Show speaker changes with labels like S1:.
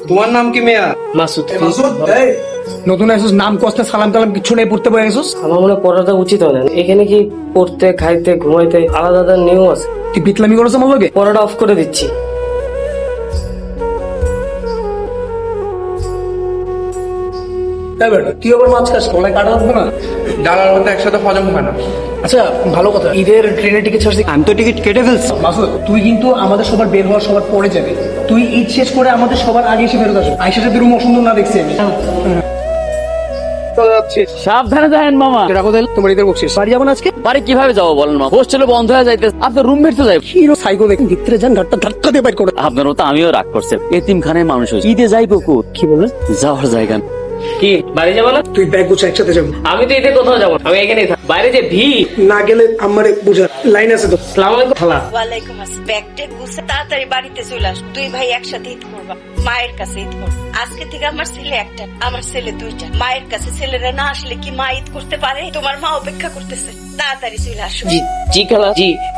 S1: তোমার নাম কি মেয়া?
S2: মাসুদ।
S3: নতুন আসছিস, নাম কষ্ট সালাম টালাম কিছু নেই, পড়তে বসে গেছিস।
S2: আমার মনে হয় পড়াটা উচিত হয় না। এখানে কি পড়তে খাইতে ঘুমাইতে আলাদা আলাদা নিয়ম আছে।
S3: তুই পিতলামি করেছ আমার লগে?
S2: পড়াটা অফ করে দিচ্ছি।
S3: তাই বেটা, তুই আবার মাছ খাস, গলায় কাটা লাগবে না?
S1: ডাল আর ভাত একসাথে হজম হয় না।
S3: আচ্ছা ভালো কথা, ঈদের ট্রেনের টিকিট ছাড়ছি।
S1: আমি তো টিকিট কেটে ফেলছি।
S3: মাসুদ, তুই কিন্তু আমাদের সবার বের হওয়ার সবার পরে যাবে। তুই ঈদ শেষ করে আমাদের সবার আগে এসে ফেরত আসবে। আইসার সাথে রুম অসুন্দর না দেখছি আমি।
S4: সাবধানে যাবেন মামা।
S3: রাখো তাহলে, তোমার ঈদের বকশিস। বাড়ি যাবো না আজকে?
S4: বাড়ি কিভাবে যাবো বলেন মা? হোস্টেলে বন্ধ হয়ে যাইতে আপনার রুমমেট তো যাই।
S3: হিরো সাইকো দেখুন, ভিতরে যান, ধাক্কা ধাক্কা দিয়ে বাইর করে।
S4: আপনার তো আমিও রাগ করছে। এতিমখানায় মানুষ হয়েছে, ঈদে যাইবো কো?
S3: কি বলে?
S4: যাওয়ার জায়গা না।
S2: কি বাড়ি যাবো না?
S3: তুই ব্যাগ গুছা, একসাথে যাবো।
S2: আমি তো ঈদে কোথাও যাবো না, আমি এখানেই থাকবো। বাইরে যে ভিড়।
S3: না গেলে আমারে বুঝা, লাইন আছে তো।
S2: আসসালামু আলাইকুম খালা।
S5: ওয়ালাইকুম আসসালাম। ব্যাগটা গুছে তাড়াতাড়ি বাড়িতে চলে আস। দুই ভাই একসাথে ঈদ করবা, মায়ের কাছে ঈদ করবা। আজকে থেকে আমার ছেলে একটা, আমার ছেলে দুইটা। মায়ের কাছে ছেলেরা না আসলে কি মা ঈদ করতে পারে? তোমার মা অপেক্ষা করতেছে, তাড়াতাড়ি চলে আসো।
S2: জি জি খালা, জি